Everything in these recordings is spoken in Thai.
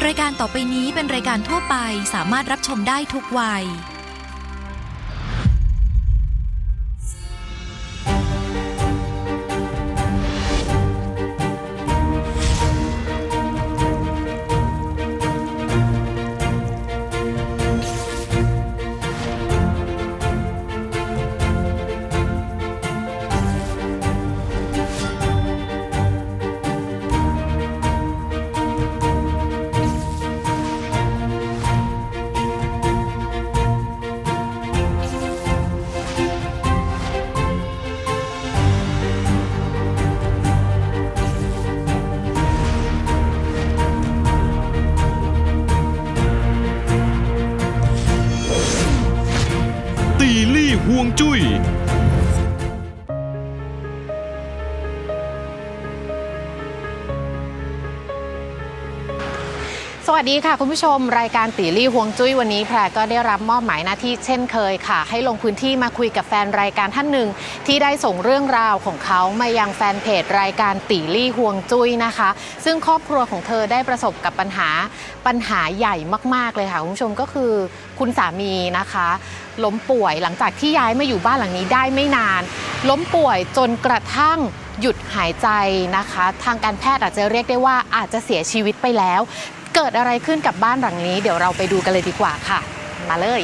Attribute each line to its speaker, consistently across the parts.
Speaker 1: รายการต่อไปนี้เป็นรายการทั่วไปสามารถรับชมได้ทุกวัย
Speaker 2: ตีลี่ฮวงจุ้ย
Speaker 3: สวัสดีค่ะคุณผู้ชมรายการตีลี่ฮวงจุ้ยวันนี้แพรก็ได้รับมอบหมายหน้าที่เช่นเคยค่ะให้ลงพื้นที่มาคุยกับแฟนรายการท่านหนึ่งที่ได้ส่งเรื่องราวของเขามายังแฟนเพจรายการตีลี่ฮวงจุ้ยนะคะซึ่งครอบครัวของเธอได้ประสบกับปัญหาใหญ่มากๆเลยค่ะคุณผู้ชมก็คือคุณสามีนะคะล้มป่วยหลังจากที่ย้ายมาอยู่บ้านหลังนี้ได้ไม่นานล้มป่วยจนกระทั่งหยุดหายใจนะคะทางการแพทย์อาจจะเรียกได้ว่าอาจจะเสียชีวิตไปแล้วเกิดอะไรขึ้นกับบ้านหลังนี้เดี๋ยวเราไปดูกันเลยดีกว่าค่ะมาเลย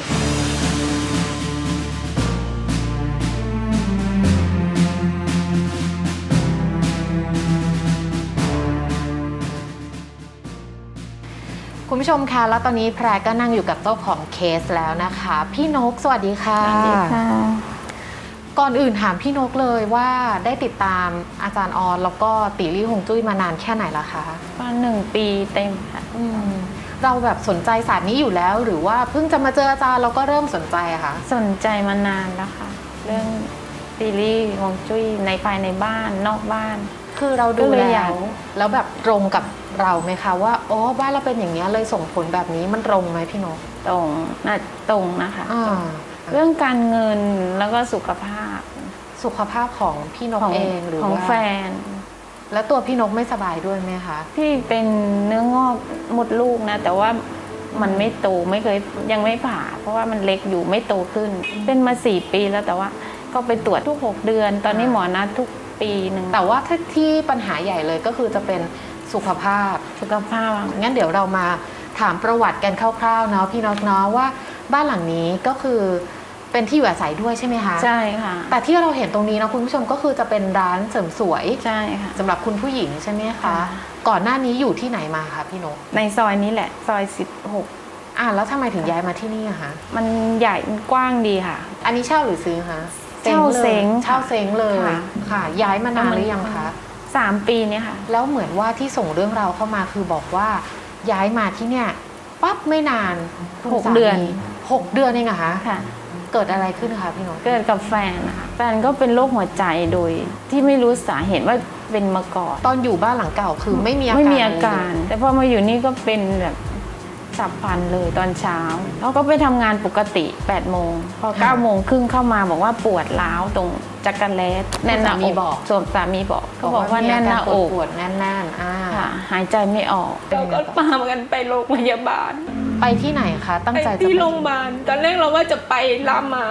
Speaker 3: คุณผู้ชมคะแล้วตอนนี้แพรก็นั่งอยู่กับเจ้าของเคสแล้วนะคะพี่นกสวัสดีค่ะ
Speaker 4: สวัสดีค่ะ
Speaker 3: ก่อนอื่นถามพี่นกเลยว่าได้ติดตามอาจารย์ออนแล้วก็ตีลี่ฮวงจุ้ยมานานแค่ไหนละคะ
Speaker 4: ประมาณ1 ปีเต็มค่ะ
Speaker 3: เราแบบสนใจศาสตร์นี้อยู่แล้วหรือว่าเพิ่งจะมาเจออาจารย์เราก็เริ่มสนใจอะคะ
Speaker 4: สนใจมานานแล้วค่ะเรื่องตีลี่ฮวงจุ้ยในภายในบ้านนอกบ้าน
Speaker 3: คือเราดูแล้วแบบตรงกับเราไหมคะว่าอ๋อบ้านเราเป็นอย่างนี้เลยส่งผลแบบนี้มันตรงไหมพี่นก
Speaker 4: ตรงนะคะเรื่องการเงินแล้วก็สุขภาพ
Speaker 3: ของพี่นกเองหรือ
Speaker 4: ของแฟน
Speaker 3: แล้วตัวพี่นกไม่สบายด้วยไหมคะ
Speaker 4: พี่เป็นเนื้องอกมดลูกนะแต่ว่ามันไม่โตไม่เคยยังไม่ผ่าเพราะว่ามันเล็กอยู่ไม่โตขึ้นเป็นมา4 ปีแล้วแต่ว่าก็ไปตรวจทุก6 เดือนตอนนี้หมอนัดทุกปีหนึ่ง
Speaker 3: แต่ว่าที่ปัญหาใหญ่เลยก็คือจะเป็นสุขภาพงั้นเดี๋ยวเรามาถามประวัติกันคร่าวๆเนาะพี่นกเนาะว่าบ้านหลังนี้ก็คือเป็นที่อยู่อาศัยด้วยใช่ไหมคะ
Speaker 4: ใช่ค่ะ
Speaker 3: แต่ที่เราเห็นตรงนี้นะคุณผู้ชมก็คือจะเป็นร้านเสริมสวย
Speaker 4: ใช่ค่ะ
Speaker 3: สำหรับคุณผู้หญิงใช่ไหมคะก่อนหน้านี้อยู่ที่ไหนมาคะพี่นก
Speaker 4: ในซอยนี้แหละซอย16
Speaker 3: แล้วทำไมถึงย้ายมาที่นี่อะคะ
Speaker 4: มันใหญ่มันกว้างดีค่ะ
Speaker 3: อันนี้เช่าหรือซื้อคะ
Speaker 4: เช่าเ
Speaker 3: ซ้งเลยค่ะย้ายมานานหรือยังคะ
Speaker 4: 3 ปีเนี่ยค่ะ
Speaker 3: แล้วเหมือนว่าที่ส่งเรื่องราวเข้ามาคือบอกว่าย้ายมาที่เนี่ยปั๊บไม่นาน
Speaker 4: 6 เดือน
Speaker 3: เองเหรอคะ
Speaker 4: ค่ะ
Speaker 3: เกิดอะไรขึ้นคะพี่นก
Speaker 4: เกิดกับแฟนนะคะแฟนก็เป็นโรคหัวใจโดยที่ไม่รู้สาเหตุว่าเป็นมาก่อน
Speaker 3: ตอนอยู่บ้านหลังเก่าคือไม่มีอา
Speaker 4: การแต่พอมาอยู่นี่ก็เป็นแบบฉับพลันเลยตอนเช้าเขาก็ไปทำงานปกติ8 โมงพอ9 โมงครึ่งเข้ามาบอกว่าปวดร้าวตรงจักรแลส
Speaker 3: แน่นหน้าอก
Speaker 4: ส่วนสามีบอกก็บอกว่าแน่นหน้าอก
Speaker 3: ปวดแน่น
Speaker 4: ค่ะหายใจไม่ออกเราก็พากันไปโรงพยาบาล
Speaker 3: ไปที่ไหนคะตั้งใจจะไป
Speaker 4: ที่โรงพยาบาลตอนแรกเราว่าจะไปรามา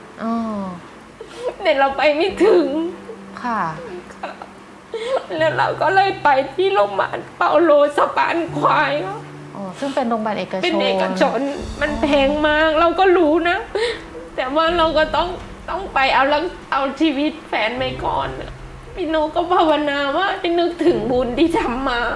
Speaker 4: แต่เราไปไม่ถึง
Speaker 3: ค่ะ
Speaker 4: แล้วเราก็เลยไปที่โรงพยาบาลเปาโลสะพานควาย
Speaker 3: ซึ่งเป็นโรงพยาบาลเอกชน
Speaker 4: มันแพงมากเราก็รู้นะแต่ว่าเราก็ต้องไปเอาชีวิตแฟนไปก่อนพี่โนก็ภาวนาว่าให้นึกถึงบุญที่ทำมา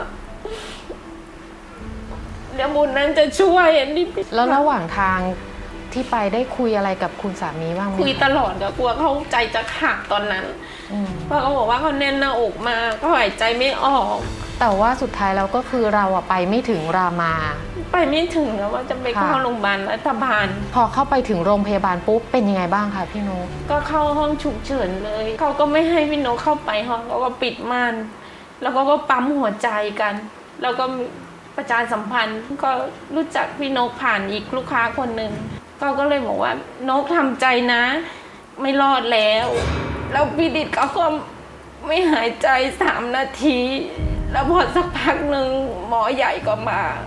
Speaker 4: เดี๋ยวบุญนั้นจะช่วยอันนี้
Speaker 3: แล้วระหว่างทางที่ไปได้คุยอะไรกับคุณสามีบ้างไหม
Speaker 4: คุยตลอดก็กลัวเขาใจจะขาดตอนนั้นเพราะเขาบอกว่าเขาแน่นหน้าอกมาก็หายใจไม่ออก
Speaker 3: แต่ว่าสุดท้ายแล้วก็คือเราไปไม่ถึงรามา
Speaker 4: ไปไม่ถึงแล้วว่าจะไปเข้าโรงพยาบาลรัฐบาล
Speaker 3: พอเข้าไปถึงโรงพยาบาลปุ๊บเป็นยังไงบ้างคะพี่นก
Speaker 4: ก็เข้าห้องฉุกเฉินเลยเขาก็ไม่ให้พี่นกเข้าไปห้องเขาก็ปิดม่านแล้วก็ปั๊มหัวใจกันแล้วก็ประชาสัมพันธ์ก็รู้จักพี่นกผ่านอีกลูกค้าคนหนึ่งเขาก็เลยบอกว่านกทำใจนะไม่รอดแล้วพี่ดิดเขาก็ไม่หายใจ3 นาทีแล้วพอสักพักหนึ่งหมอใหญ่ก็มา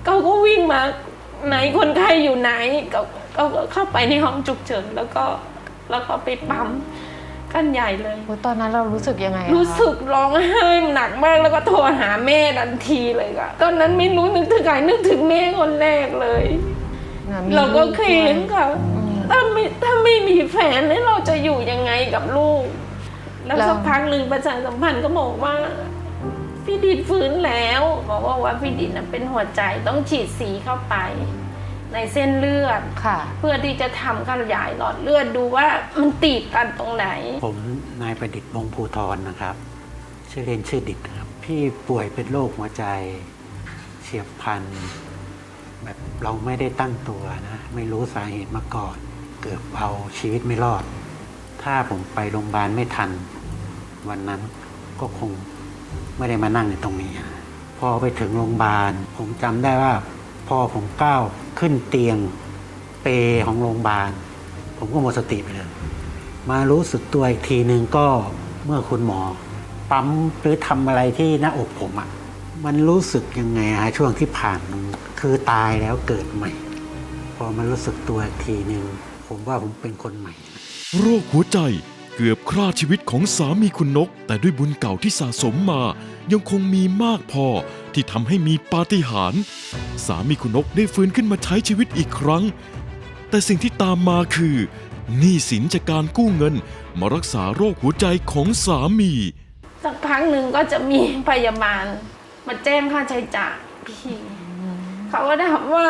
Speaker 4: เขาก็วิ่งมาไหนคนไข้อยู่ไหนก็เข้าไปในห้องฉุกเฉินแล้วก็ไปปั๊มกันใหญ่เลย
Speaker 3: ตอนนั้นเรารู้สึกยังไงอะคะ
Speaker 4: รู้สึกร้องไห้หนักมากแล้วก็โทรหาแม่ทันทีเลยค่ะตอนนั้นไม่รู้นึกถึงใครนึกถึงแม่คนแรกเลย
Speaker 3: น่ะมี
Speaker 4: เราก็
Speaker 3: ลู
Speaker 4: เค้นค่ะถ้าไม่มีแฟนแล้วเราจะอยู่ยังไงกับลูก แล้วสักพักหนึ่งประชาสัมพันธ์ก็บอกว่าพี่ดิดฟื้นแล้วบอกว่าพี่ดิดน่ะเป็นหัวใจต้องฉีดสีเข้าไปในเส้นเลือด
Speaker 3: ค่ะ
Speaker 4: เพื่อที่จะทำขยายหลอดเลือดดูว่ามันตีบกันตรงไหน
Speaker 5: ผมนายประดิษฐ์วงศ์ภูธรนะครับ ชื่อเล่นชื่อดิษฐ์ครับพี่ป่วยเป็นโรคหัวใจเฉียบพลันแบบเราไม่ได้ตั้งตัวนะไม่รู้สาเหตุมาก่อน เกือบเอาชีวิตไม่รอด ถ้าผมไปโรงพยาบาลไม่ทัน วันนั้นก็คงไม่ได้มานั่งในตรงนี้พอไปถึงโรงพยาบาลผมจำได้ว่าพอผมก้าวขึ้นเตียงเปรของโรงพยาบาลผมก็หมดสติไปเลยมารู้สึกตัวอีกทีนึงก็เมื่อคุณหมอปั๊มหรือทำอะไรที่หน้าอกผมมันรู้สึกยังไงช่วงที่ผ่านมันคือตายแล้วเกิดใหม่ พอมารู้สึกตัวอีกทีนึงผมว่าผมเป็นคนใหม่
Speaker 2: โรคหัวใจเกือบฆ่าชีวิตของสามีคุณนก แต่ด้วยบุญเก่าที่สะสมมา ยังคงมีมากพอที่ทำให้มีปาฏิหาริย์สามีคุณนกได้ฟื้นขึ้นมาใช้ชีวิตอีกครั้ง แต่สิ่งที่ตามมาคือหนี้สินจากการกู้เงินมารักษาโรคหัวใจของสามี
Speaker 4: สักพักหนึ่งก็จะมีพยาบาลมาแจ้งค่าใช้จ่ายพี่เขาก็ถามว่า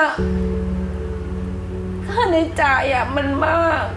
Speaker 4: ค่าใช้จ่ายมันมาก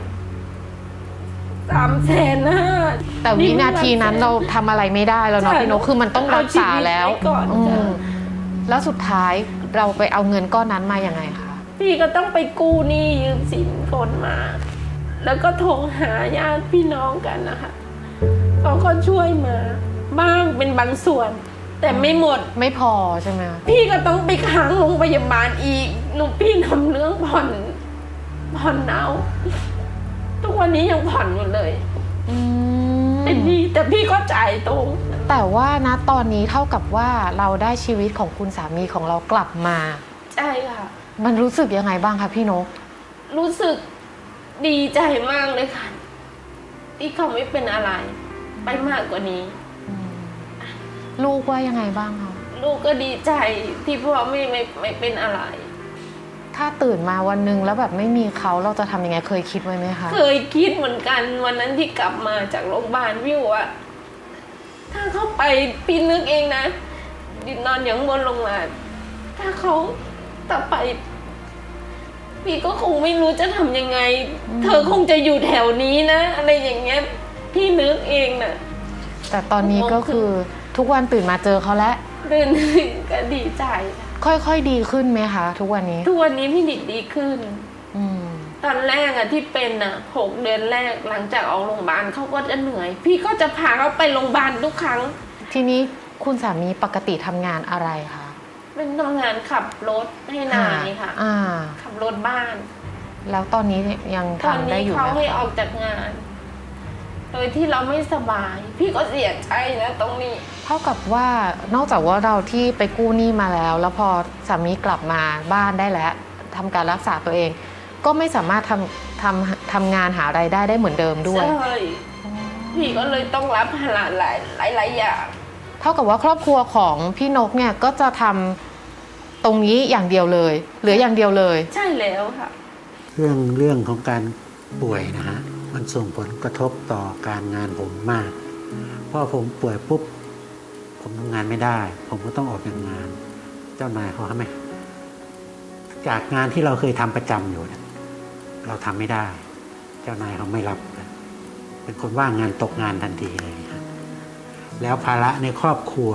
Speaker 4: 350,000
Speaker 3: แต่วินาทีนั้นเราทำอะไรไม่ได้แล้วเนาะพี่นกคือมันต้องรักษาแล้ว
Speaker 4: เอาชีวิตไว้ก่อน
Speaker 3: แล้วสุดท้ายเราไปเอาเงินก้อนนั้นมายังไงคะ
Speaker 4: พี่ก็ต้องไปกู้หนี้ยืมสินคนมา แล้วก็โทรหาญาติพี่น้องกันนะคะเขาก็ช่วยมาบ้างเป็นบางส่วน แต่ไม่หมด
Speaker 3: ไม่พอใช่ไหมคะ
Speaker 4: พี่ก็ต้องไปค้างโรงพยาบาลอีกพี่ทำเรื่องผ่อนเอาทุกวันนี้ยังผ่อนอยู่เลยเป็นหนี้แต่พี่ก็จ่ายตรง
Speaker 3: แต่ว่านะตอนนี้เท่ากับว่าเราได้ชีวิตของคุณสามีของเรากลับมา
Speaker 4: ใช่ค่ะ
Speaker 3: มันรู้สึกยังไงบ้างคะพี่นก
Speaker 4: รู้สึกดีใจมากเลยค่ะที่เขาไม่เป็นอะไรไปมากกว่านี้
Speaker 3: ลูกว่ายังไงบ้างคะ
Speaker 4: ลูกก็ดีใจที่พ่อไม่เป็นอะไร
Speaker 3: ถ้าตื่นมาวันหนึ่งแล้วแบบไม่มีเขาเราจะทำยังไงเคยคิดไว้ไหมคะ
Speaker 4: เคยคิดเหมือนกันวันนั้นที่กลับมาจากโรงพยาบาลวิวอะถ้าเขาไปพี่นึกเองนะดินนอนอย่างบนลงมาถ้าเขาต่อไปพี่ก็คงไม่รู้จะทำยังไง เธอคงจะอยู่แถวนี้นะอะไรอย่างเงี้ยพี่นึกเองน่ะ
Speaker 3: แต่ตอนนี้ก็คือทุกวันตื่นมาเจอเขาแล้ว
Speaker 4: เดินก็ดีใจ
Speaker 3: ค่อยๆดีขึ้นไหมคะทุกวันนี้
Speaker 4: ทุกวันนี้พี่ดิดดีขึ้น
Speaker 3: อืม
Speaker 4: ตอนแรกที่เป็น6 เดือนแรกหลังจากออกโรงพยาบาลเขาก็จะเหนื่อย พี่ก็จะพาเขาไปโรงพยาบาลทุกครั้ง
Speaker 3: ทีนี้คุณสามีปกติทำงานอะไรคะ
Speaker 4: เป็นทำงานขับรถให้นายค่ะ ขับรถบ้าน
Speaker 3: แล้วตอนนี้ยัง
Speaker 4: ตอน
Speaker 3: ทำได้
Speaker 4: นี้
Speaker 3: อยู่ไห
Speaker 4: เขา
Speaker 3: ม
Speaker 4: ให้อ
Speaker 3: คะ
Speaker 4: อกจากงาน โดยที่เราไม่สบาย พี่ก็เสียใจนะตรงนี้
Speaker 3: เท่ากับว่านอกจากว่าเราที่ไปกู้หนี้มาแล้ว แล้วพอสามีกลับมาบ้านได้แล้วทำการรักษาตัวเอง ก็ไม่สามารถทำงานหารายได้ได้เหมือนเดิมด้วย
Speaker 4: ใช่พี่ก็เลยต้องรับภาระหลายอย่าง
Speaker 3: เท่ากับว่าครอบครัวของพี่นกเนี่ยก็จะทำตรงนี้อย่างเดียวเลยเหลืออย่างเดียวเลย
Speaker 4: ใช่แล้วค่ะ
Speaker 5: เรื่องของการป่วยนะฮะมันส่งผลกระทบต่อการงานผมมากเพราะผมป่วยปุ๊บผมทำงานไม่ได้ ผมก็ต้องออกจากงาน เจ้านายเขาทำไมจากงานที่เราเคยทำประจำอยู่เนี่ยเราทำไม่ได้ เจ้านายเขาไม่รับเป็นคนว่างงานตกงานทันทีเลยครับแล้วภาระในครอบครัว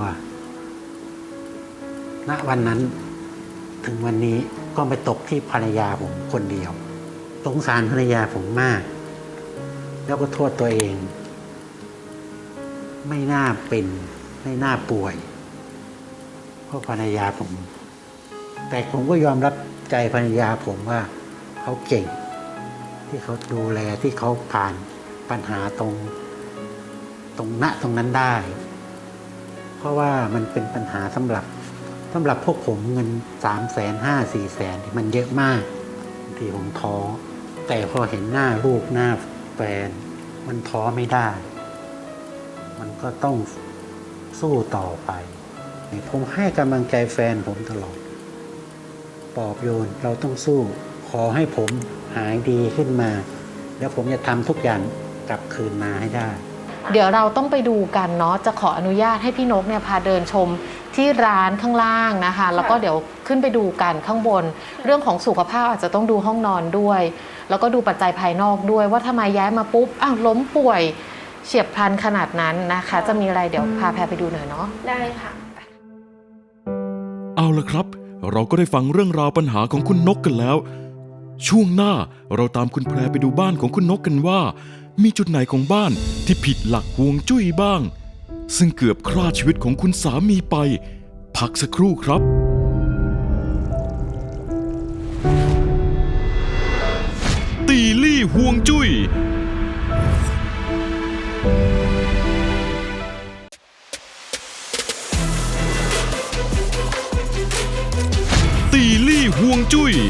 Speaker 5: ณวันนั้นถึงวันนี้ก็ไปตกที่ภรรยาผมคนเดียวสงสารภรรยาผมมาก แล้วก็โทษตัวเอง ไม่น่าเป็นไม่น่าป่วยเพราะภรรยาผม แต่ผมก็ยอมรับใจภรรยาผมว่าเขาเก่ง ที่เขาดูแลที่เขาผ่านปัญหาตรงนั้นได้ เพราะว่ามันเป็นปัญหาสำหรับสำหรับพวกผมเงิน300,000 500,000 400,000มันเยอะมากบางทีผมท้อแต่พอเห็นหน้าลูกหน้าแฟนมันท้อไม่ได้ มันก็ต้องสู้ต่อไปผมให้กำลังใจแฟนผมตลอดปลอบโยนเราต้องสู้ขอให้ผมหายดีขึ้นมาแล้วผมจะทำทุกอย่างกลับคืนมาให้ได้
Speaker 3: เดี๋ยวเราต้องไปดูกันเนาะจะขออนุญาตให้พี่นกเนี่ยพาเดินชมที่ร้านข้างล่างนะคะแล้วก็เดี๋ยวขึ้นไปดูกันข้างบน เรื่องของสุขภาพอาจจะต้องดูห้องนอนด้วย แล้วก็ดูปัจจัยภายนอกด้วยว่าทำไมย้ายมาปุ๊บอ้าวล้มป่วยเฉียบพลันขนาดนั้นนะคะ จะมีอะไรเดี๋ยวพาแพรไปดูหน่อยเนาะ
Speaker 4: ได้ค่ะ
Speaker 2: เอาละครับ เราก็ได้ฟังเรื่องราวปัญหาของคุณนกกันแล้ว ช่วงหน้าเราตามคุณแพรไปดูบ้านของคุณนกกันว่า มีจุดไหนของบ้านที่ผิดหลักฮวงจุ้ยบ้าง ซึ่งเกือบฆ่าชีวิตของคุณสามีไป พักสักครู่ครับ ตีลี่ฮวงจุ้ยตีลี่ฮวงจุ้ย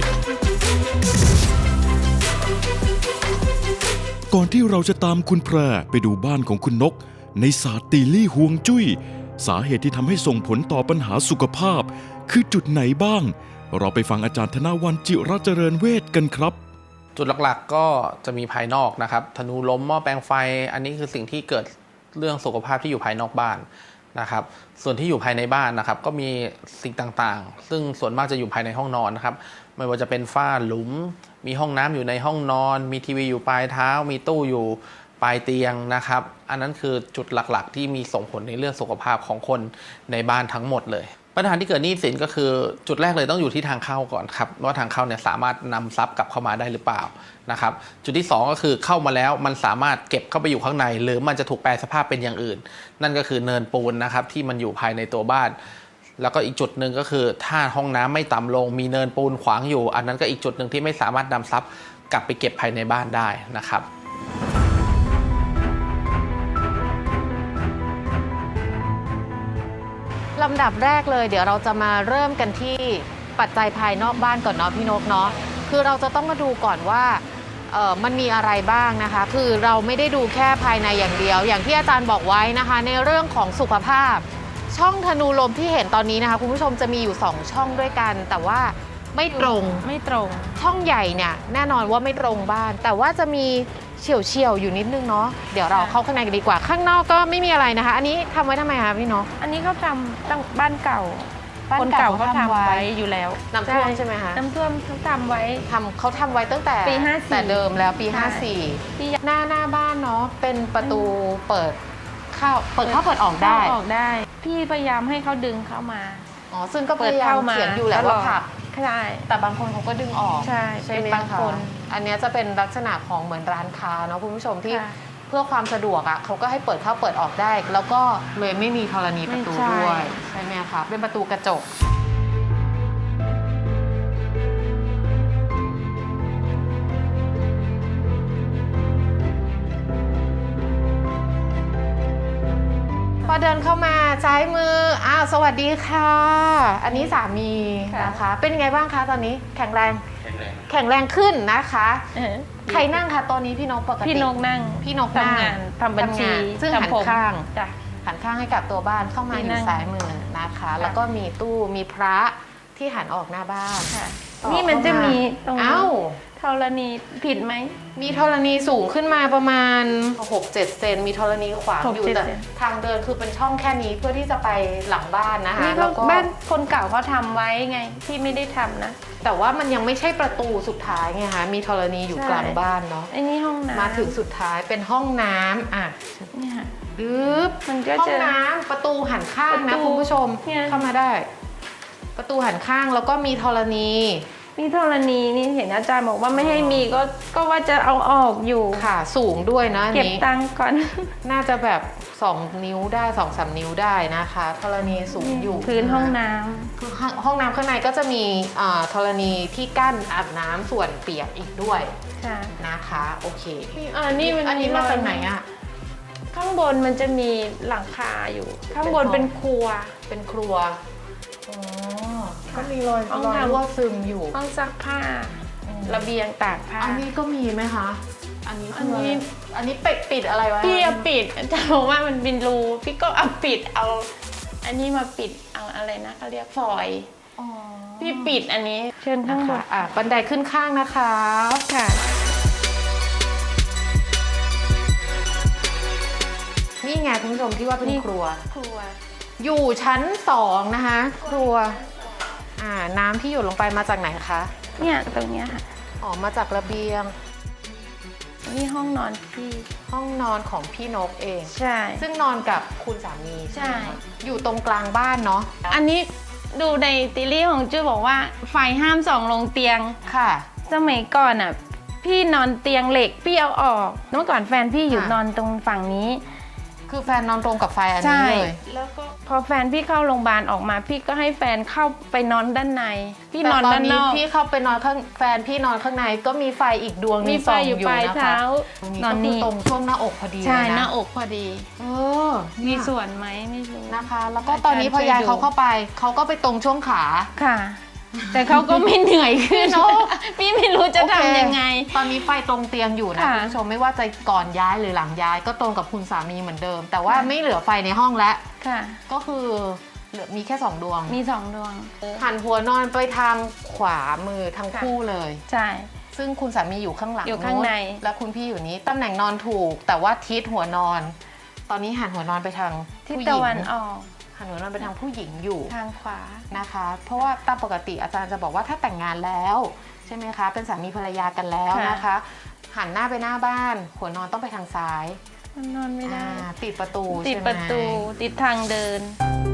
Speaker 2: ก่อนที่เราจะตามคุณแพรไปดูบ้านของคุณนกในศาสตร์ตีลี่ฮวงจุ้ยสาเหตุที่ทำให้ส่งผลต่อปัญหาสุขภาพคือจุดไหนบ้างเราไปฟังอาจารย์ธนวัลย์จิระเจริญเวชกันครับ
Speaker 6: จุดหลักๆก็จะมีภายนอกนะครับธนูล้มหม้อแปลงไฟอันนี้คือสิ่งที่เกิดเรื่องสุขภาพที่อยู่ภายนอกบ้านนะครับส่วนที่อยู่ภายในบ้านนะครับก็มีสิ่งต่างๆซึ่งส่วนมากจะอยู่ภายในห้องนอนนะครับไม่ว่าจะเป็นฝ้าหลุมมีห้องน้ำอยู่ในห้องนอนมีทีวีอยู่ปลายเท้ามีตู้อยู่ปลายเตียงนะครับอันนั้นคือจุดหลักๆที่มีส่งผลในเรื่องสุขภาพของคนในบ้านทั้งหมดเลยปัญหาที่เกิดหนี้สินก็คือจุดแรกเลยต้องอยู่ที่ทางเข้าก่อนครับว่าทางเข้าเนี่ยสามารถนำทรัพย์กลับเข้ามาได้หรือเปล่านะครับจุดที่2ก็คือเข้ามาแล้วมันสามารถเก็บเข้าไปอยู่ข้างในหรือมันจะถูกแปลสภาพเป็นอย่างอื่นนั่นก็คือเนินปูนนะครับที่มันอยู่ภายในตัวบ้านแล้วก็อีกจุดหนึ่งก็คือถ้าห้องน้ำไม่ต่ำลงมีเนินปูนขวางอยู่อันนั้นก็อีกจุดหนึ่งที่ไม่สามารถนำทรัพย์กลับไปเก็บภายในบ้านได้นะครับ
Speaker 3: ลำดับแรกเลยเดี๋ยวเราจะมาเริ่มกันที่ปัจจัยภายนอกบ้านก่อนเนาะพี่นกเนาะคือเราจะต้องมาดูก่อนว่ามันมีอะไรบ้างนะคะคือเราไม่ได้ดูแค่ภายในอย่างเดียวอย่างที่อาจารย์บอกไว้นะคะในเรื่องของสุขภาพช่องธนูลมที่เห็นตอนนี้นะคะคุณผู้ชมจะมีอยู่2ช่องด้วยกันแต่ว่าไม่ตรงช่องใหญ่เนี่ยแน่นอนว่าไม่ตรงบ้านแต่ว่าจะมีเฉียวๆอยู่นิดนึงเนาะเดี๋ยวเราเข้าข้างในกันดีกว่าข้างนอกก็ไม่มีอะไรนะคะอันนี้ทำไว้ทำไมคะพี่นก
Speaker 4: อันนี้เขาทำตั้งบ้านเก่า
Speaker 3: บ้าน
Speaker 4: คน
Speaker 3: เก่า
Speaker 4: เก่าเขาทำไว้อยู่แล้ว
Speaker 3: น้ำท่วมใช่ไหมคะ
Speaker 4: น้ำท่วมเขาทำไว้
Speaker 3: เขาทำไว้ตั้งแต่
Speaker 4: ปี54
Speaker 3: แต่เดิมแล้วปี
Speaker 4: ใช่
Speaker 3: 54หน้าบ้านเนาะเป็นประตูเปิดเข้าเปิดออกได้
Speaker 4: ออกได้ พี่พยายามให้เขาดึงเข้ามา
Speaker 3: อ๋อซึ่งก็พยายามเขียนอยู่แหละว่าผลัก
Speaker 4: ใช่
Speaker 3: แต่บางคนเขาก็ดึงออก
Speaker 4: ใช่
Speaker 3: ไหม
Speaker 4: เป็นบาง
Speaker 3: คะ
Speaker 4: คน
Speaker 3: อันเนี้ยจะเป็นลักษณะของเหมือนร้านค้าเนาะคุณผู้ชมที่
Speaker 4: ค่ะ
Speaker 3: เพื่อความสะดวกอ่ะเขาก็ให้เปิดเข้าเปิดออกได้ แล้วก็เลยไม่มีธรณีประตู
Speaker 4: ไม่ใช่
Speaker 3: ด้วยใช่ไหมคะเป็นประตูกระจกพอเดินเข้ามาซ้ายมือสวัสดีค่ะอันนี้สามีนะคะ เป็นไงบ้างคะตอนนี้แข็งแรงขึ้นนะคะ ใครนั่งคะตอนนี้พี่นกปกติ
Speaker 4: พี่นกนั่ง
Speaker 3: พี่นกนั่ง
Speaker 4: ทำงานทำบัญชี
Speaker 3: ซึ่งหัน
Speaker 4: ทำผม
Speaker 3: ข้าง
Speaker 4: จ้ะ
Speaker 3: หันข้างให้กับตัวบ้านเข้ามาอ
Speaker 4: พี่นั่
Speaker 3: ยู่
Speaker 4: ง
Speaker 3: ซ้ายมือนะคะ แล้วก็มีตู้มีพระที่หันออกหน้าบ้าน
Speaker 4: ค่ะ
Speaker 3: ต่อ
Speaker 4: นี่มันจะมีตรงนี้
Speaker 3: เอ้า
Speaker 4: ธรณีผิดไหม
Speaker 3: มีธรณีสูงขึ้นมาประมาณ 6-7 เซนมีธรณีขวางอยู่
Speaker 4: 6-7
Speaker 3: แต่
Speaker 4: เซน
Speaker 3: ทางเดินคือเป็นช่องแค่นี้เพื่อที่จะไปหลังบ้านนะคะ
Speaker 4: นี่ก็
Speaker 3: แล้วก็
Speaker 4: บ้านคนเก่าเขาทำไว้ไงพี่ไม่ได้ทำนะ
Speaker 3: แต่ว่ามันยังไม่ใช่ประตูสุดท้ายไงคะมีธรณีอยู่
Speaker 4: ใช่
Speaker 3: กลางบ้านเนาะ
Speaker 4: ไอ้นี่ห้องน้ำ
Speaker 3: มาถึงสุดท้ายเป็นห้องน้ำ
Speaker 4: เนี่ยค่ะ
Speaker 3: ดึบ
Speaker 4: มันก็
Speaker 3: ห้อง
Speaker 4: จะ
Speaker 3: น้ำประตูหันข้าง
Speaker 4: ป
Speaker 3: นะ
Speaker 4: ระตู
Speaker 3: คุณผู้ชม
Speaker 4: เนี่ย
Speaker 3: เข้ามาได้ ประตูหันข้างแล้วก็มีธรณี
Speaker 4: นี่ธรณีนี่เห็นอาจารย์บอกว่าไม่ให้มีก็ว่าจะเอาออกอยู่
Speaker 3: ค่ะสูงด้วยนะอัน
Speaker 4: เก็บ
Speaker 3: นี้
Speaker 4: ตังค์ก่อน
Speaker 3: น่าจะแบบ2 นิ้วได้ 2-3 นิ้วได้นะคะธรณีสูงอยู่
Speaker 4: พื้นห้องน้ำ
Speaker 3: คือห้องน้ำข้างในก็จะมีธรณีที่กั้นอาบน้ำส่วนเปียกอีกด้วย
Speaker 4: ค่ะ
Speaker 3: นะคะโอเค
Speaker 4: นี่มัน
Speaker 3: อันนี้มาจากไหนอะ
Speaker 4: ข้างบนมันจะมีหลังคาอยู่ ข้างบนเป็นครัว
Speaker 3: เป็นครัวอ๋อก็มีรอย
Speaker 4: ห้อง
Speaker 3: รอย
Speaker 4: ทำ
Speaker 3: รั่วซึมอยู่
Speaker 4: ห้องซักผ้า ระเบียงตากผ้า
Speaker 3: อันนี้ก็มีไหมคะ อันนี้คือ
Speaker 4: อันนี้
Speaker 3: อันนี้ปิดอะไรไว้
Speaker 4: พี่เอาปิดอาจารย์บอกว่ามันเป็นรูพี่ก็เอาปิดเอา อันนี้มาปิดเอาอะไรนะเขาเรียกฟอยล์
Speaker 3: อ๋อ
Speaker 4: พี่ปิดอันนี้เชิญข้างบ
Speaker 3: ค่ะ
Speaker 4: น
Speaker 3: บันไดขึ้นข้างนะคะ
Speaker 4: ค่ะ
Speaker 3: นี่ไงคุณผู้ชมที่ว่าเป็น
Speaker 4: นี่
Speaker 3: ครัว
Speaker 4: ครัว
Speaker 3: อยู่ชั้น2นะคะ ครัวน้ำที่หยดลงไปมาจากไหนคะ
Speaker 4: เนี่ยตรงเนี้ยค่ะ
Speaker 3: อ๋อมาจากระเบียง
Speaker 4: นี่ห้องนอนพี่
Speaker 3: ห้องนอนของพี่นกเอง
Speaker 4: ใช่
Speaker 3: ซึ่งนอนกับคุณสามี
Speaker 4: ใช่
Speaker 3: ไหมคะอยู่ตรงกลางบ้านเนาะ
Speaker 4: อันนี้ดูในตีรี่ของจุ้ยบอกว่าไฟห้ามส่องลงเตียง
Speaker 3: ค่ะ
Speaker 4: สมัยก่อนอ่ะพี่นอนเตียงเหล็กพี่เอาออกเมื่อก่อนแฟนพี่อยู่
Speaker 3: ค่ะ
Speaker 4: นอนตรงฝั่งนี้
Speaker 3: คือแฟนนอนตรงกับไฟอัน
Speaker 4: ใช่
Speaker 3: นี้เลย
Speaker 4: แล้วก็พอแฟนพี่เข้าโรงพยาบาลออกมา พี่ก็ให้แฟนเข้าไปนอนด้านใน พี่นอน
Speaker 3: แต่ต
Speaker 4: ด้านนอก
Speaker 3: พี่เข้าไปนอนข้างแฟนพี่นอนข้างในก็มีไฟอีกดวงหนึ
Speaker 4: มี
Speaker 3: ง
Speaker 4: ไฟ
Speaker 3: ส่อง
Speaker 4: อยู่
Speaker 3: อยู่
Speaker 4: ปลาย
Speaker 3: นะคะ
Speaker 4: เท้า
Speaker 3: ตรงนี้
Speaker 4: นอ
Speaker 3: ก็
Speaker 4: น
Speaker 3: คือ
Speaker 4: นี่
Speaker 3: ตรงช่วงหน้าอกพอดี
Speaker 4: ใช่
Speaker 3: เลยะ
Speaker 4: หน้าอกพอดี
Speaker 3: เออ
Speaker 4: มี
Speaker 3: เนี่ย
Speaker 4: ส่วนไหมไม่รู้
Speaker 3: นะคะ แล้วก็ตอนนี้พอยายเขาเข้าไปเขาก็ไปตรงช่วงขา
Speaker 4: ค่ะ แต่เขาก็ไม่เหนื่อยขึ้น
Speaker 3: เนอะ
Speaker 4: พี่ไม่รู้จะ
Speaker 3: โอเค
Speaker 4: ทำยังไง
Speaker 3: ตอนนี้ไฟตรงเตียงอยู่นะ
Speaker 4: ค่ะ
Speaker 3: คุณผู้ชมไม่ว่าจะก่อนย้ายหรือหลังย้ายก็ตรงกับคุณสามีเหมือนเดิม แต่ว่าไม่เหลือไฟในห้องแล้ว
Speaker 4: ค่ะ
Speaker 3: ก็คือเหลือมีแค่2ดวง
Speaker 4: มี2 ดวง
Speaker 3: หันหัวนอนไปทางขวามือทั้ง
Speaker 4: ค่ะ
Speaker 3: คู่เลย
Speaker 4: ใช่
Speaker 3: ซึ่งคุณสามีอยู่ข้างหลัง
Speaker 4: อยู่ข้างใน
Speaker 3: นู้และคุณพี่อยู่นี้ตำแหน่งนอนถูก แต่ว่าทิศหัวนอน ตอนนี้หันหัวนอนไปทาง
Speaker 4: ทิศ
Speaker 3: ผู้หญิง
Speaker 4: ตะวันออก
Speaker 3: หันหัวนอนไปทางผู้หญิงอยู่
Speaker 4: ทางขวา
Speaker 3: นะคะ เพราะว่าตามปกติอาจารย์จะบอกว่าถ้าแต่งงานแล้วใช่ไหมคะ เป็นสามีภรรยากันแล้ว
Speaker 4: ค่ะ
Speaker 3: นะคะ หันหน้าไปหน้าบ้าน หัวนอนต้องไปทางซ้าย
Speaker 4: มันนอนไม่ได้
Speaker 3: ติดประตู
Speaker 4: ติด
Speaker 3: ใช่ไหม
Speaker 4: ประตูติดทางเดิน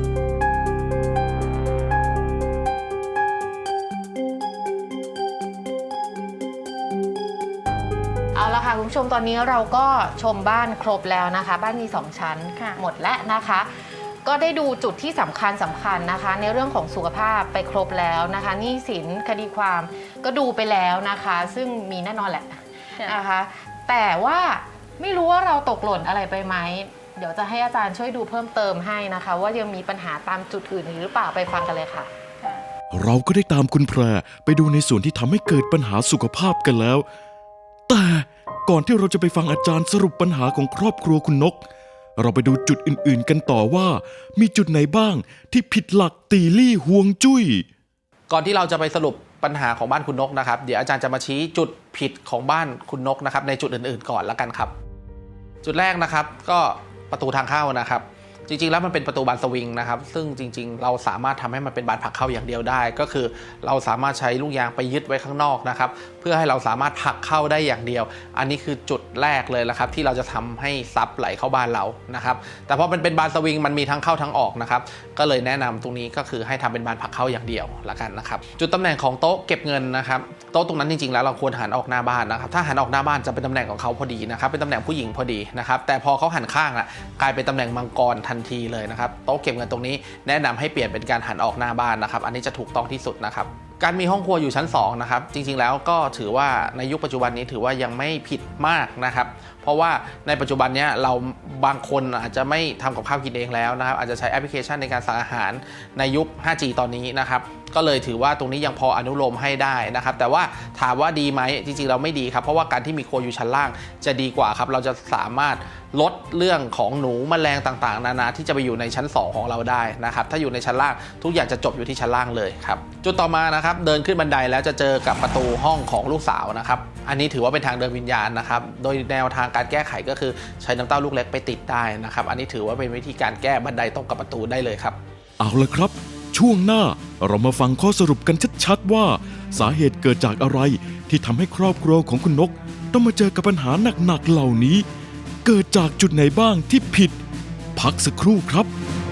Speaker 3: เอาละค่ะคุณผู้ชมตอนนี้เราก็ชมบ้านครบแล้วนะคะ บ้านมี2ชั้น
Speaker 4: ค่ะ
Speaker 3: หมดแล้วนะคะ ก็ได้ดูจุดที่สำคัญนะคะ ในเรื่องของสุขภาพไปครบแล้วนะคะหนี้สินคดีความก็ดูไปแล้วนะคะ ซึ่งมีแน่นอนแหละนะคะ แต่ว่าไม่รู้ว่าเราตกหล่นอะไรไปไหมเดี๋ยวจะให้อาจารย์ช่วยดูเพิ่มเติมให้นะคะ ว่ายังมีปัญหาตามจุดอื่นหรือเปล่าไปฟังกันเลยค่ะ
Speaker 2: เราก็ได้ตามคุณแพรไปดูในส่วนที่ทำให้เกิดปัญหาสุขภาพกันแล้ว แต่ก่อนที่เราจะไปฟังอาจารย์สรุปปัญหาของครอบครัวคุณนก เราไปดูจุดอื่นๆกันต่อว่า มีจุดไหนบ้างที่ผิดหลักตีลี่ฮวงจุ้ย
Speaker 6: ก่อนที่เราจะไปสรุปปัญหาของบ้านคุณนกนะครับเดี๋ยวอาจารย์จะมาชี้จุดผิดของบ้านคุณนกนะครับในจุดอื่นๆก่อนละกันครับ จุดแรกนะครับก็ประตูทางเข้านะครับ จริงๆแล้วมันเป็นประตูบานสวิงนะครับซึ่งจริงๆเราสามารถทำให้มันเป็นบานผลักเข้าอย่างเดียวได้ ก็คือเราสามารถใช้ลูกยางไปยึดไว้ข้างนอกนะครับเพื่อให้เราสามารถผลักเข้าได้อย่างเดียว อันนี้คือจุดแรกเลยละครับที่เราจะทำให้ซับไหลเข้าบ้านเรานะครับแต่พอมันเป็นบานสวิงมันมีทั้งเข้าทั้งออกนะครับก็เลยแนะนำตรงนี้ก็คือให้ทำเป็นบานผลักเข้าอย่างเดียวละกันนะครับจุดตำแหน่งของโต๊ะเก็บเงินนะครับโต๊ะตรงนั้นจริงๆแล้วเราควรหันออกหน้าบ้านนะครับถ้าหันออกหน้าบ้านจะเป็นตำแหน่งของเขาพอดีนะครับเป็นตำแหน่งผู้หญิงพอดีนะครับแต่พอเขาหันข้างอ่ะกลายเป็นตำแหน่งมังกรทันทีเลยนะครับโต๊ะเก็บเงินตรงนี้แนะนำให้เปลี่ยนเป็นการหันออกหน้าบ้านนะครับอันนี้จะถูกต้องที่สุดนะครับการมีห้องครัวอยู่ชั้น2นะครับจริงๆแล้วก็ถือว่าในยุคปัจจุบันนี้ถือว่ายังไม่ผิดมากนะครับเพราะว่าในปัจจุบันนี้เราบางคนอาจจะไม่ทำกับข้าวกินเองแล้วนะครับอาจจะใช้แอปพลิเคชันในการสั่งอาหารในยุค 5G ตอนนี้นะครับก็เลยถือว่าตรงนี้ยังพออนุโลมให้ได้นะครับแต่ว่าถามว่าดีไหมจริงๆเราไม่ดีครับเพราะว่าการที่มีครัวอยู่ชั้นล่างจะดีกว่าครับเราจะสามารถลดเรื่องของหนูแมลงต่างๆนานาที่จะไปอยู่ในชั้น2ของเราได้นะครับถ้าอยู่ในชั้นล่างทุกอย่างจะจบอยู่ที่ชั้นล่างเลยครับจุดต่อมานะครับเดินขึ้นบันไดแล้วจะเจอกับประตูห้องของลูกสาวนะครับอันนี้ถือว่าเป็นทางเดินวิญญาณนะครับโดยแนวทางการแก้ไขก็คือใช้น้ำเต้าลูกเล็กไปติดได้นะครับอันนี้ถือว่าเป็นวิธีการแก้บันไดตรงกับประตูได้เลยครับ
Speaker 2: เอาละครับ ช่วงหน้าเรามาฟังข้อสรุปกันชัดๆว่า สาเหตุเกิดจากอะไรที่ทำให้ครอบครัวของคุณนกต้องมาเจอกับปัญหาหนักๆเหล่านี้ เกิดจากจุดไหนบ้างที่ผิด พักสักครู่ครับ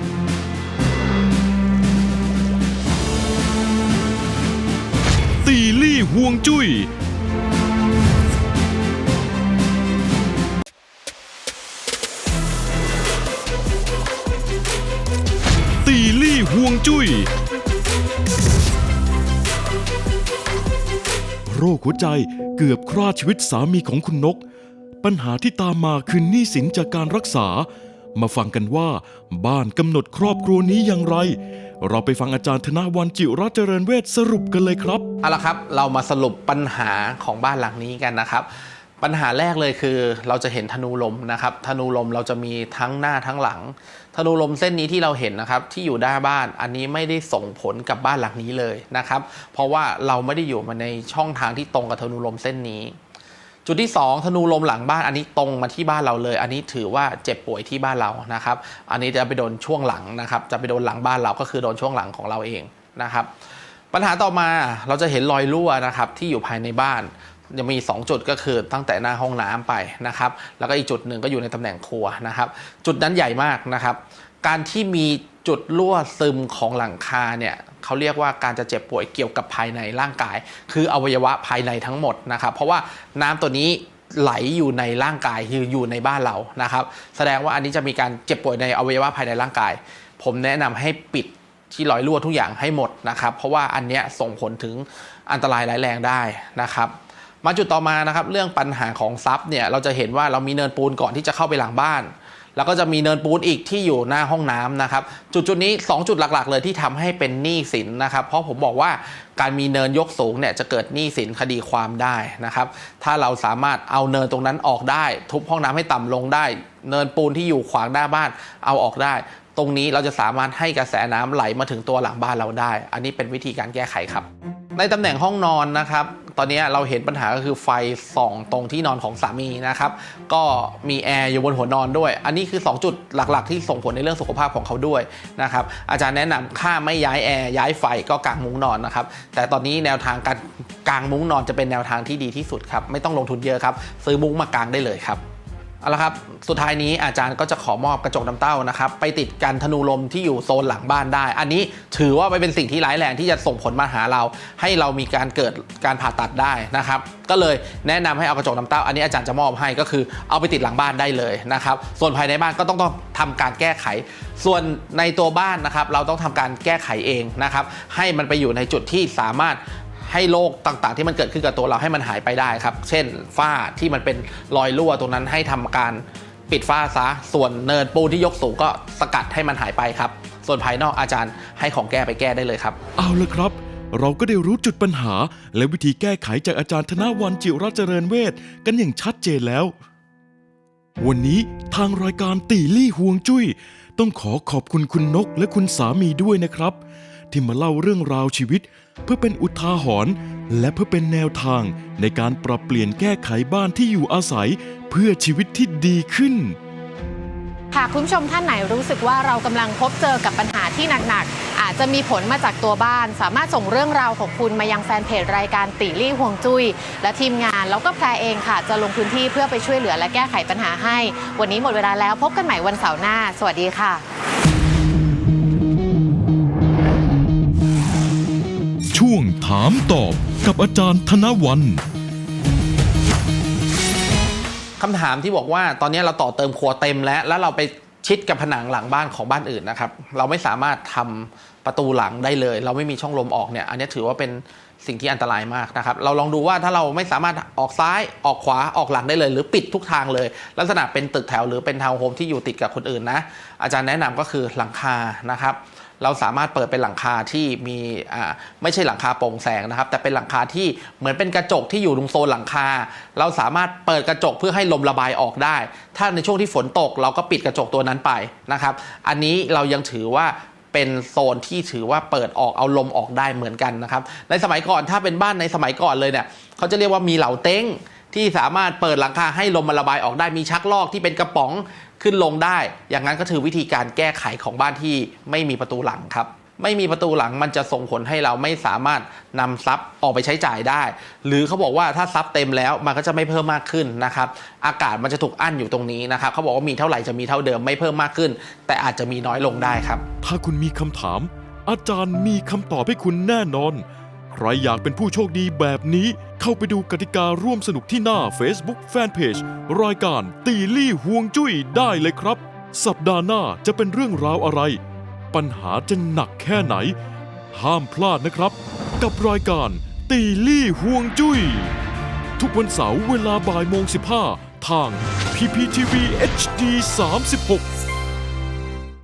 Speaker 2: ตีลี่ฮวงจุ้ยตีลี่ฮวงจุ้ยโรคหัวใจเกือบฆ่าชีวิตสามีของคุณนก ปัญหาที่ตามมาคือหนี้สินจากการรักษา มาฟังกันว่าบ้านกำหนดครอบครัวนี้อย่างไรเราไปฟังอาจารย์ธนวรรณ จิรัตน์เจริญเวชสรุปกันเลยครับ
Speaker 6: เอาละครับเรามาสรุปปัญหาของบ้านหลังนี้กันนะครับปัญหาแรกเลยคือเราจะเห็นธนูลมนะครับธนูลมเราจะมีทั้งหน้าทั้งหลังธนูลมเส้นนี้ที่เราเห็นนะครับที่อยู่หน้าบ้านอันนี้ไม่ได้ส่งผลกับบ้านหลังนี้เลยนะครับเพราะว่าเราไม่ได้อยู่มาในช่องทางที่ตรงกับธนูลมเส้นนี้จุดที่2ธนูลมหลังบ้านอันนี้ตรงมาที่บ้านเราเลยอันนี้ถือว่าเจ็บป่วยที่บ้านเรานะครับอันนี้จะไปโดนช่วงหลังนะครับจะไปโดนหลังบ้านเราก็คือโดนช่วงหลังของเราเองนะครับปัญหาต่อมาเราจะเห็นรอยรั่วนะครับที่อยู่ภายในบ้านจะมี2จุดก็คือตั้งแต่หน้าห้องน้ำไปนะครับแล้วก็อีกจุดหนึ่งก็อยู่ในตำแหน่งครัวนะครับจุดนั้นใหญ่มากนะครับการที่มีจุดรั่วซึมของหลังคาเนี่ยเขาเรียกว่าการจะเจ็บป่วยเกี่ยวกับภายในร่างกายคืออวัยวะภายในทั้งหมดนะครับเพราะว่าน้ำตัวนี้ไหลอยู่ในร่างกายคืออยู่ในบ้านเรานะครับแสดงว่าอันนี้จะมีการเจ็บป่วยในอวัยวะภายในร่างกายผมแนะนำให้ปิดที่รอยรั่วทุกอย่างให้หมดนะครับเพราะว่าอันเนี้ยส่งผลถึงอันตรายร้ายแรงได้นะครับมาจุดต่อมานะครับเรื่องปัญหาของซับเนี่ยเราจะเห็นว่าเรามีเนินปูนก่อนที่จะเข้าไปหลังบ้านแล้วก็จะมีเนินปูนอีกที่อยู่หน้าห้องน้ำนะครับจุดนี้2จุดหลักๆเลยที่ทำให้เป็นหนี้สินนะครับเพราะผมบอกว่าการมีเนินยกสูงเนี่ยจะเกิดหนี้สินคดีความได้นะครับถ้าเราสามารถเอาเนินตรงนั้นออกได้ทุบห้องน้ำให้ต่ำลงได้เนินปูนที่อยู่ขวางหน้าบ้านเอาออกได้ตรงนี้เราจะสามารถให้กระแสน้ำไหลมาถึงตัวหลังบ้านเราได้อันนี้เป็นวิธีการแก้ไขครับในตำแหน่งห้องนอนนะครับตอนนี้เราเห็นปัญหาก็คือไฟส่องตรงที่นอนของสามีนะครับก็มีแอร์อยู่บนหัวนอนด้วยอันนี้คือ2จุดหลักๆที่ส่งผลในเรื่องสุขภาพของเขาด้วยนะครับอาจารย์แนะนำถ้าไม่ย้ายแอร์ย้ายไฟก็กางมุ้งนอนนะครับแต่ตอนนี้แนวทางการกางมุ้งนอนจะเป็นแนวทางที่ดีที่สุดครับไม่ต้องลงทุนเยอะครับซื้อมุ้งมากางได้เลยครับเอาละครับสุดท้ายนี้อาจารย์ก็จะขอมอบกระจกน้ำเต้านะครับไปติดกันธนูลมที่อยู่โซนหลังบ้านได้อันนี้ถือว่าเป็นสิ่งที่ร้ายแรงที่จะส่งผลมาหาเราให้เรามีการเกิดการผ่าตัดได้นะครับก็เลยแนะนำให้เอากระจกน้ำเต้าอันนี้อาจารย์จะมอบให้ก็คือเอาไปติดหลังบ้านได้เลยนะครับส่วนภายในบ้านก็ต้องทำการแก้ไขส่วนในตัวบ้านนะครับเราต้องทำการแก้ไขเองนะครับให้มันไปอยู่ในจุดที่สามารถให้โรคต่างๆที่มันเกิดขึ้นกับตัวเราให้มันหายไปได้ครับเช่นฝ้าที่มันเป็นรอยรั่วตรงนั้นให้ทำการปิดฝ้าซะส่วนเนินปูนที่ยกสูงก็สกัดให้มันหายไปครับส่วนภายนอกอาจารย์ให้ของแก้ไปแก้ได้เลยครับ
Speaker 2: เอาละครับเราก็ได้รู้จุดปัญหาและวิธีแก้ไขจากอาจารย์ธนวรรณ จิรัตน์เจริญเวชกันอย่างชัดเจนแล้ววันนี้ทางรายการตีลี่ฮวงจุ้ยต้องขอบคุณคุณนกและคุณสามีด้วยนะครับที่มาเล่าเรื่องราวชีวิตเพื่อเป็นอุทาหรณ์และเพื่อเป็นแนวทางในการปรับเปลี่ยนแก้ไขบ้านที่อยู่อาศัยเพื่อชีวิตที่ดีขึ้น
Speaker 3: หากคุณผู้ชมท่านไหนรู้สึกว่าเรากำลังพบเจอกับปัญหาที่หนักๆอาจจะมีผลมาจากตัวบ้านสามารถส่งเรื่องราวของคุณมายังแฟนเพจรายการตีลี่ฮวงจุ้ยและทีมงานแล้วก็แพรเองค่ะจะลงพื้นที่เพื่อไปช่วยเหลือและแก้ไขปัญหาให้วันนี้หมดเวลาแล้วพบกันใหม่วันเสาร์หน้าสวัสดีค่ะ
Speaker 2: ช่วงถามตอบกับอาจารย์ธนวรรณ
Speaker 6: คำถามที่บอกว่าตอนนี้เราต่อเติมครัวเต็มแล้วเราไปชิดกับผนังหลังบ้านของบ้านอื่นนะครับเราไม่สามารถทำประตูหลังได้เลยเราไม่มีช่องลมออกเนี่ยอันนี้ถือว่าเป็นสิ่งที่อันตรายมากนะครับเราลองดูว่าถ้าเราไม่สามารถออกซ้ายออกขวาออกหลังได้เลยหรือปิดทุกทางเลยลักษณะเป็นตึกแถวหรือเป็นทาวน์โฮมที่อยู่ติดกับคนอื่นนะอาจารย์แนะนำก็คือหลังคานะครับเราสามารถเปิดเป็นหลังคาที่มีไม่ใช่หลังคาโปร่งแสงนะครับแต่เป็นหลังคาที่เหมือนเป็นกระจกที่อยู่ตรงโซนหลังคาเราสามารถเปิดกระจกเพื่อให้ลมระบายออกได้ถ้าในช่วงที่ฝนตกเราก็ปิดกระจกตัวนั้นไปนะครับอันนี้เรายังถือว่าเป็นโซนที่ถือว่าเปิดออกเอาลมออกได้เหมือนกันนะครับในสมัยก่อนถ้าเป็นบ้านในสมัยก่อนเลยเนี่ยเขาจะเรียกว่ามีเหลาเต็งที่สามารถเปิดหลังคาให้ลมมันระบายออกได้มีชักลอกที่เป็นกระป๋องขึ้นลงได้อย่างนั้นก็คือวิธีการแก้ไขของบ้านที่ไม่มีประตูหลังครับไม่มีประตูหลังมันจะส่งผลให้เราไม่สามารถนำทรัพย์ออกไปใช้จ่ายได้หรือเขาบอกว่าถ้าทรัพย์เต็มแล้วมันก็จะไม่เพิ่มมากขึ้นนะครับอากาศมันจะถูกอั้นอยู่ตรงนี้นะครับเขาบอกว่ามีเท่าไหร่จะมีเท่าเดิมไม่เพิ่มมากขึ้นแต่อาจจะมีน้อยลงได้ครับ
Speaker 2: ถ้าคุณมีคำถามอาจารย์มีคำตอบให้คุณแน่นอนใครอยากเป็นผู้โชคดีแบบนี้เข้าไปดูกติการ่วมสนุกที่หน้า Facebook Fanpage รายการตีลี่ฮวงจุ้ยได้เลยครับสัปดาห์หน้าจะเป็นเรื่องราวอะไรปัญหาจะหนักแค่ไหนห้ามพลาดนะครับกับรายการตีลี่ฮวงจุ้ยทุกวันเสาร์เวลาบ่ายโมง 15ทาง PPTV HD 36